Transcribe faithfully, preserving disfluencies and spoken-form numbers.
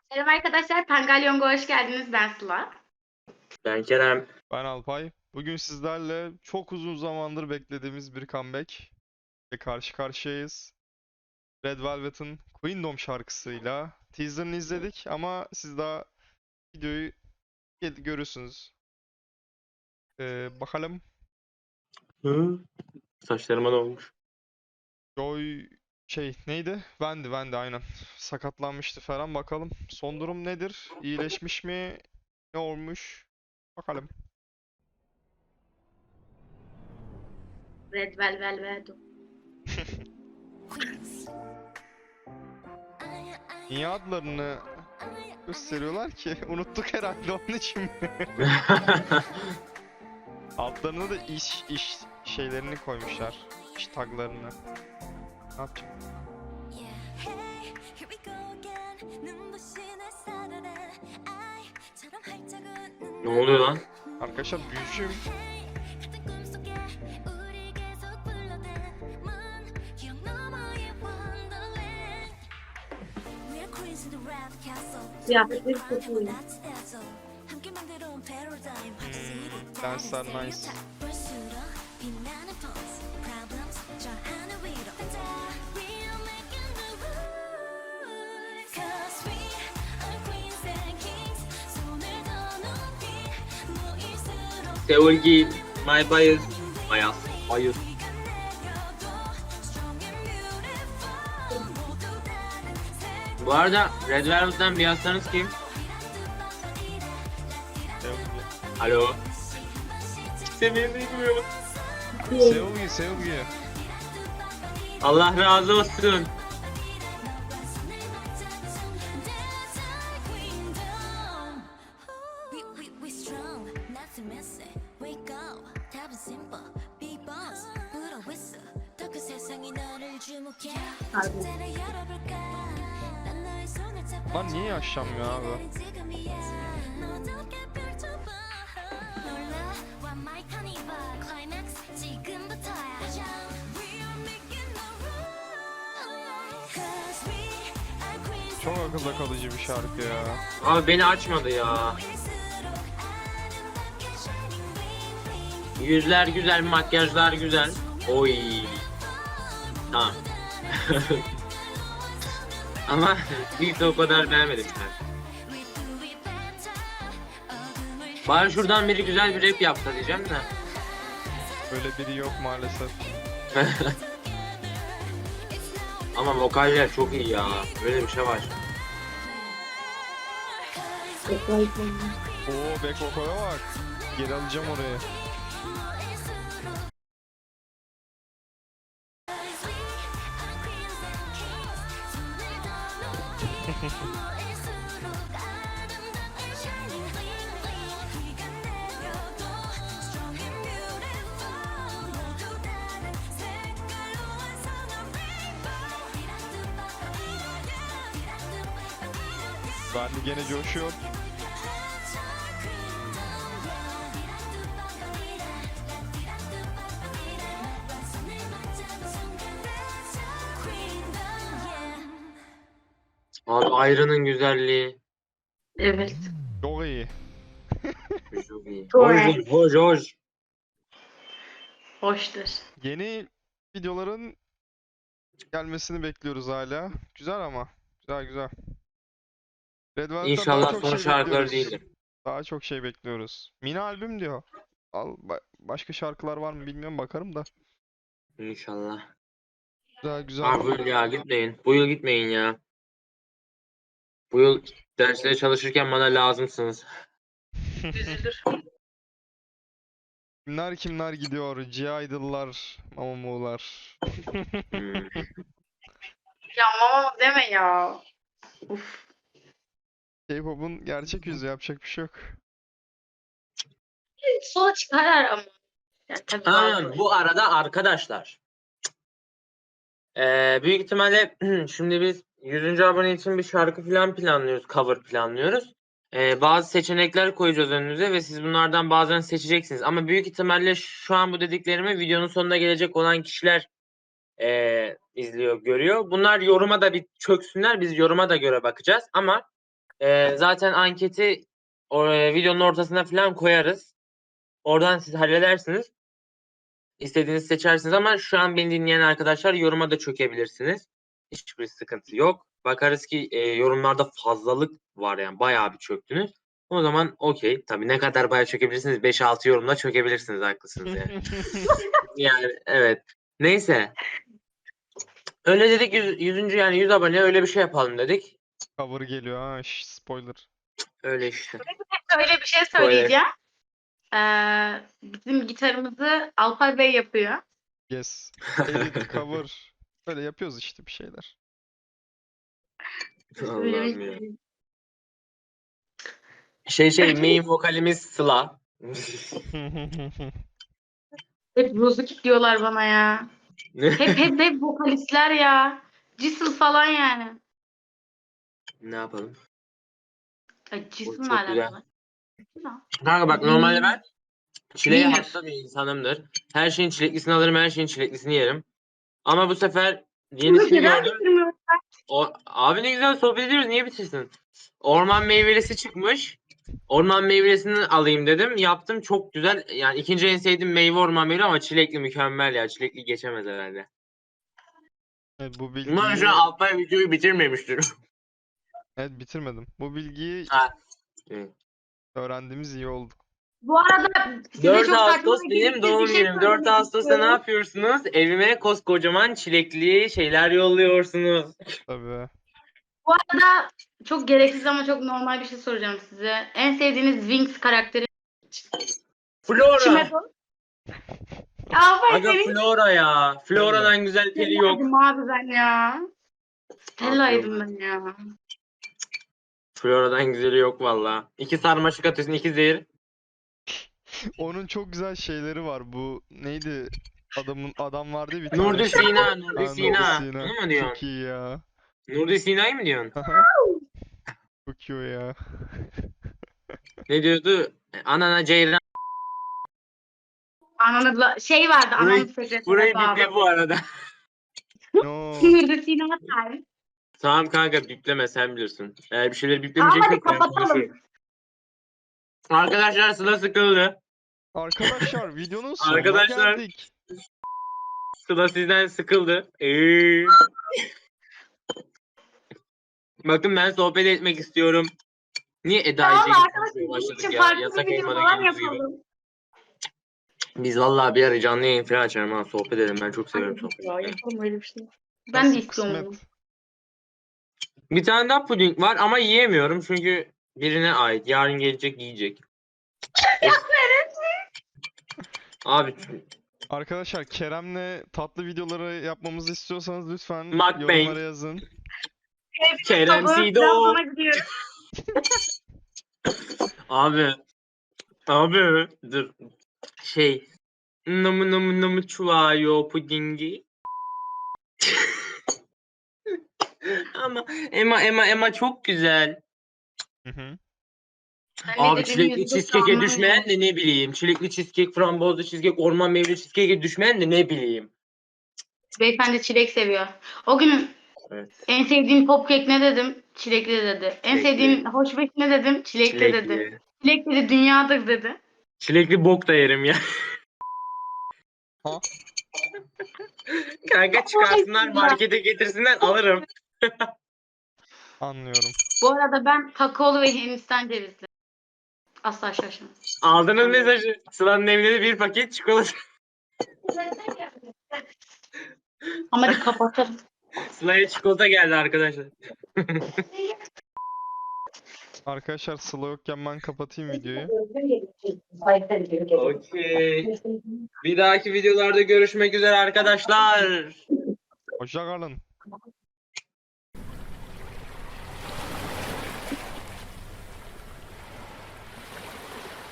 Merhaba arkadaşlar, Pangalyong'a hoş geldiniz. Ben Sıla. Ben Kerem. Ben Alpay. Bugün sizlerle çok uzun zamandır beklediğimiz bir comeback ve karşı karşıyayız. Red Velvet'ın Queendom şarkısıyla teaserını izledik ama siz daha videoyu gel- görürsünüz. Ee, bakalım. Hı? Saçlarıma ne olmuş? Joy şey neydi? Vendi, Vendi aynen. Sakatlanmıştı falan bakalım. Son durum nedir? İyileşmiş mi? Ne olmuş? Bakalım. Red Velvet. Niye adlarını gösteriyorlar ki? Unuttuk herhalde onun için mi? Altlarına da iş iş şeylerini koymuşlar. İş taglarını. Ne yapacağım? Ne oluyor lan? Arkadaşlar büyücüyüm. Kıyafetleri çok iyi. Hmm, danslar nice. Seulgi, my bias. Bias. Bias. Bu arada Red Velvet'ten bir yazsanız kim? Alo. Kimse beni duymuyor. Seulgi, Seulgi. Allah razı olsun. Lan niye yaşlanmıyor abi? Çok akılda kalıcı bir şarkı ya. Abi beni açmadı ya. Yüzler güzel, makyajlar güzel. Oy. Tamam. Ama ilk de o kadar beğenmedim ben. Bari şuradan biri güzel bir rap yapsa diyeceğim de. Böyle biri yok maalesef. Ama vokaller çok iyi ya. Böyle bir şey var. Oo back vocal'a bak. Geri alacağım orayı. Ben de gene coşuyor. Abi Ayra'nın güzelliği. Evet. Çok iyi. Çok iyi. Çok Hoş, iyi. hoş, hoş. Hoştur. Yeni videoların gelmesini bekliyoruz hala. Güzel ama. Güzel güzel. Red Velvet'ten daha İnşallah çok son şey şarkıları bekliyoruz. değildir. Daha çok şey bekliyoruz. Mini albüm diyor. Al, ba- başka şarkılar var mı bilmiyorum bakarım da. İnşallah. Güzel güzel. Abi bu yıl ya gitmeyin. Bu yıl gitmeyin ya. Bu yıl derslere çalışırken bana lazımsınız. Üzülür. Kimler kimler gidiyor? G-Idol'lar, Mamamoo''lar. Hmm. Ya mama deme ya. Uf. K-pop'un gerçek yüzü, yapacak bir şey yok. Sola çıkarlar ama. Ya tabii Ha, bazıları. bu arada arkadaşlar. Ee, büyük ihtimalle şimdi biz yüzüncü abone için bir şarkı falan planlıyoruz. Cover planlıyoruz. Ee, bazı seçenekler koyacağız önünüze ve siz bunlardan bazılarını seçeceksiniz. Ama büyük ihtimalle şu an bu dediklerimi videonun sonuna gelecek olan kişiler ee, izliyor, görüyor. Bunlar yoruma da bir çöksünler. Biz yoruma da göre bakacağız. Ama Ee, zaten anketi o, e, videonun ortasına falan koyarız. Oradan siz halledersiniz. İstediğinizi seçersiniz ama şu an beni dinleyen arkadaşlar yoruma da çökebilirsiniz. Hiçbir sıkıntı yok. Bakarız ki e, yorumlarda fazlalık var yani bayağı bir çöktünüz. O zaman okey. Tabii ne kadar bayağı çökebilirsiniz? beş altı yorumla çökebilirsiniz, haklısınız yani. Yani evet. Neyse. Öyle dedik yüz, yüzüncü yani yüz abone öyle bir şey yapalım dedik. Cover geliyor ha. şş, spoiler. Öyle işte. Öyle bir şey Böyle. söyleyeceğim. Ee, bizim gitarımızı Alpay Bey yapıyor. Yes. Edit, cover. Böyle yapıyoruz işte bir şeyler. Allah'ım ya. Şey şey main vokalimiz Sıla. Hep Rozukip diyorlar bana ya. Hep hep hep vokalistler ya. Cisıl falan yani. Ne yapalım? Ay Cisıl çok ne alaka güzel. lan? Kanka bak normalde ben çileğe Winner. hasta bir insanımdır. Her şeyin çileklisini alırım, her şeyin çileklisini yerim. Ama bu sefer yenisini Neden gördüm. bitirmiyorsun? O, abi ne güzel sohbet ediyoruz, niye bitirsin? Orman meyvelisi çıkmış. Orman meyvelesini alayım dedim. Yaptım, çok güzel. Yani ikinci en sevdiğim meyve orman meyveli ama çilekli mükemmel ya. Çilekli geçemez herhalde. Evet, bu Umarım bilgiyi şu an Alpay videoyu bitirmemiştir. evet bitirmedim. Bu bilgiyi Ha. Evet. öğrendiğimiz iyi oldu. Bu arada size dört çok saçma Ağustos ve benim gereksiz bir doğum şey günüm. dört söylemek Ağustos'ta ne istiyorum. yapıyorsunuz? Evime koskocaman çilekli şeyler yolluyorsunuz. Tabii. Bu arada çok gereksiz ama çok normal bir şey soracağım size. En sevdiğiniz Wings karakteri Flora. kime bu? Alpay Aga senin Flora ya. Flora'dan güzel peri yok. Stella'ydım abi ben ya. Stella'ydım ben ya. Flora'dan güzeli yok valla. İki sarmaşık atıyorsun, iki zehir. Onun çok güzel şeyleri var. Bu neydi? Adamın adam vardı ya bir tane Nurdi şey. Sina, Nurdi Ha, Nurdi Sina. Sina. Onu mu Çok diyorsun? iyi ya. Nurdi Sina'yı mı diyorsun? Çok iyi o ya. Ne diyordu? Anana Ceyran. Ananı la- şey vardı Burayı, ananı sekretere burayı bağlı. biple bu arada. No. Nurdi Sina time. Tamam kanka, bipleme, sen bilirsin. Eğer bir şeyleri Tamam biplemeyeceksen hadi ben kapatalım. konuşurum. Arkadaşlar Sıla sıkıldı. Arkadaşlar videonun sonuna Arkadaşlar geldik. Sıla sizden sıkıldı. Ee. Bakın ben sohbet etmek istiyorum. Niye Eda Tamam ile arkadaşlar konuşmaya bunun başladık için ya? farklı Yasak bir video elmada falan gündüz gibi. yapalım. Biz vallahi bir ara canlı yayın falan açarım ha, sohbet edelim. Ben çok seviyorum Hadi sohbet ya etmeyi. yapalım öyle bir şey. Ben de Nasip istiyorum bunu. kısmet. Bir tane daha puding var ama yiyemiyorum çünkü birine ait. Yarın gelecek, yiyecek. Abi Arkadaşlar Kerem'le tatlı videoları yapmamızı istiyorsanız lütfen Mukbang. yorumlara yazın. Kerem Tabii, Sido. Trabzon'a gidiyorum. Abi. Abi. Dur. Şey. Namı namı namı çuvayo pudingi. Ama Emma Emma Emma çok güzel. Hı hı. Ben ne Abi dediğimi çilekli yüzde doksan cheesecake'e düşmeyen anlamıyorum. de ne bileyim. Çilekli cheesecake, frambuazlı cheesecake, orman meyveli cheesecake'e düşmeyen de ne bileyim. Beyefendi çilek seviyor. O gün Evet. en sevdiğin popkek ne dedim? Çilekli dedi. En Çilekli. sevdiğin hoşbeş ne dedim? Çilekli, dedi. Çilekli. Çilek dedi dünyadır dedi. Çilekli bok da yerim ya. Ha? Kanka çıkarsınlar ya. markete getirsinler alırım. Anlıyorum. Bu arada ben kakaolu ve Hindistan cevizli. Asla şaşmam. Aldınız mesajı. Sıla'nın evine de bir paket çikolata. Ama hadi kapatalım. Sıla'ya çikolata geldi arkadaşlar. Arkadaşlar Sıla yokken ben kapatayım videoyu. Okey. Bir dahaki videolarda görüşmek üzere arkadaşlar. Hoşça kalın.